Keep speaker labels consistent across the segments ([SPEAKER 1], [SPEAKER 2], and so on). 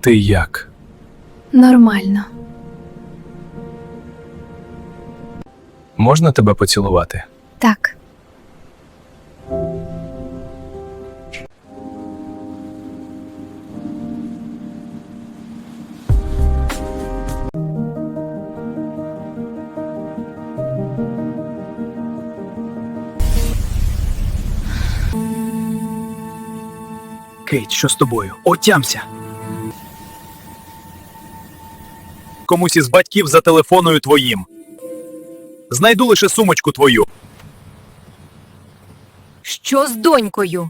[SPEAKER 1] Ти як?
[SPEAKER 2] Нормально.
[SPEAKER 1] Можна тебе поцілувати?
[SPEAKER 2] Так.
[SPEAKER 3] Кейт, що з тобою? Отямся! Комусь із батьків зателефоную твоїм. Знайду лише сумочку твою.
[SPEAKER 4] Що з донькою?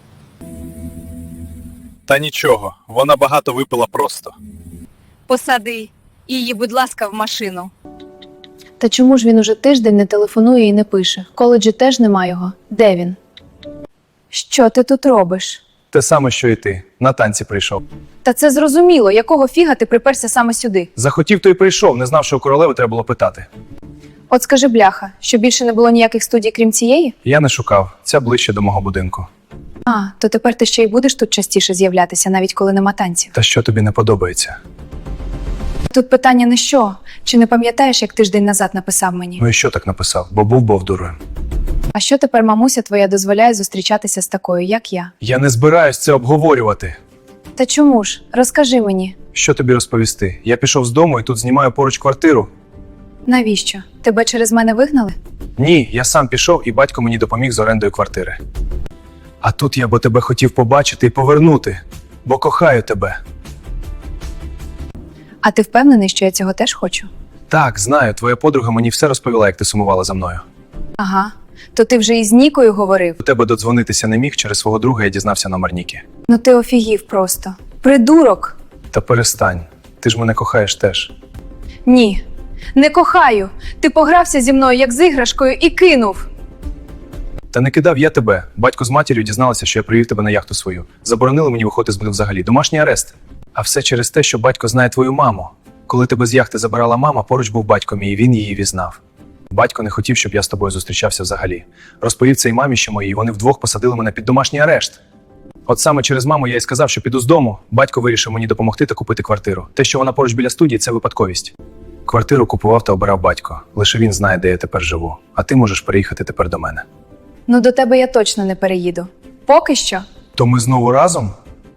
[SPEAKER 3] Та нічого, вона багато випила просто.
[SPEAKER 4] Посади її, будь ласка, в машину.
[SPEAKER 2] Та чому ж він уже тиждень не телефонує і не пише? В коледжі теж нема його. Де він? Що ти тут робиш?
[SPEAKER 1] Те саме, що і ти. На танці прийшов.
[SPEAKER 2] Та це зрозуміло, якого фіга ти приперся саме сюди?
[SPEAKER 1] Захотів, то й прийшов. Не знав, що у королеви треба було питати.
[SPEAKER 2] От скажи, бляха, що більше не було ніяких студій, крім цієї?
[SPEAKER 1] Я не шукав. Ця ближче до мого будинку.
[SPEAKER 2] А, то тепер ти ще й будеш тут частіше з'являтися, навіть коли нема танців.
[SPEAKER 1] Та що тобі не подобається?
[SPEAKER 2] Тут питання не що. Чи не пам'ятаєш, як тиждень назад написав мені?
[SPEAKER 1] Ну і що так написав? Бо був бовдурою.
[SPEAKER 2] А що тепер мамуся твоя дозволяє зустрічатися з такою, як я?
[SPEAKER 1] Я не збираюсь це обговорювати.
[SPEAKER 2] Та чому ж? Розкажи мені.
[SPEAKER 1] Що тобі розповісти? Я пішов з дому і тут знімаю поруч квартиру.
[SPEAKER 2] Навіщо? Тебе через мене вигнали?
[SPEAKER 1] Ні, я сам пішов і батько мені допоміг з орендою квартири. А тут я бо тебе хотів побачити і повернути, бо кохаю тебе.
[SPEAKER 2] А ти впевнений, що я цього теж хочу?
[SPEAKER 1] Так, знаю, твоя подруга мені все розповіла, як ти сумувала за мною.
[SPEAKER 2] Ага. То ти вже із Нікою говорив?
[SPEAKER 1] До тебе додзвонитися не міг, через свого друга я дізнався номер Ніки.
[SPEAKER 2] Ну ти офігів просто. Придурок!
[SPEAKER 1] Та перестань, ти ж мене кохаєш теж.
[SPEAKER 2] Ні. Не кохаю. Ти погрався зі мною, як з іграшкою, і кинув.
[SPEAKER 1] Та не кидав я тебе. Батько з матір'ю дізналися, що я привів тебе на яхту свою. Заборонили мені виходити з будинку взагалі. Домашній арест. А все через те, що батько знає твою маму. Коли тебе з яхти забирала мама, поруч був батько мій, і він її візнав. Батько не хотів, щоб я з тобою зустрічався взагалі. Розповів це й мамі, що моїй, вони вдвох посадили мене під домашній арешт. От саме через маму я й сказав, що піду з дому. Батько вирішив мені допомогти та купити квартиру. Те, що вона поруч біля студії, це випадковість. Квартиру купував та обирав батько. Лише він знає, де я тепер живу. А ти можеш переїхати тепер до мене.
[SPEAKER 2] Ну до тебе я точно не переїду. Поки що.
[SPEAKER 1] То ми знову разом?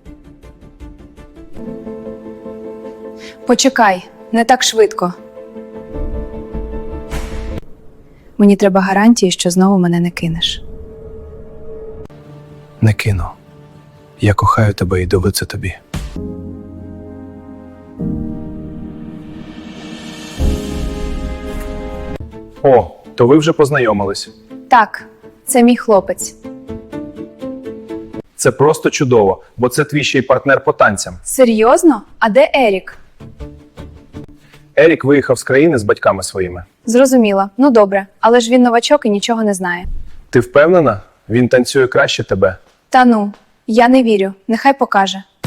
[SPEAKER 2] Почекай, не так швидко. Мені треба гарантії, що знову мене не кинеш.
[SPEAKER 1] Не кину. Я кохаю тебе і доведу це тобі. О, то ви вже познайомились.
[SPEAKER 2] Так, це мій хлопець.
[SPEAKER 1] Це просто чудово, бо це твій ще й партнер по танцям.
[SPEAKER 2] Серйозно? А де Ерік?
[SPEAKER 1] Ерік виїхав з країни з батьками своїми.
[SPEAKER 2] Зрозуміла. Ну добре, але ж він новачок і нічого не знає.
[SPEAKER 1] Ти впевнена? Він танцює краще тебе.
[SPEAKER 2] Та ну, я не вірю. Нехай покаже.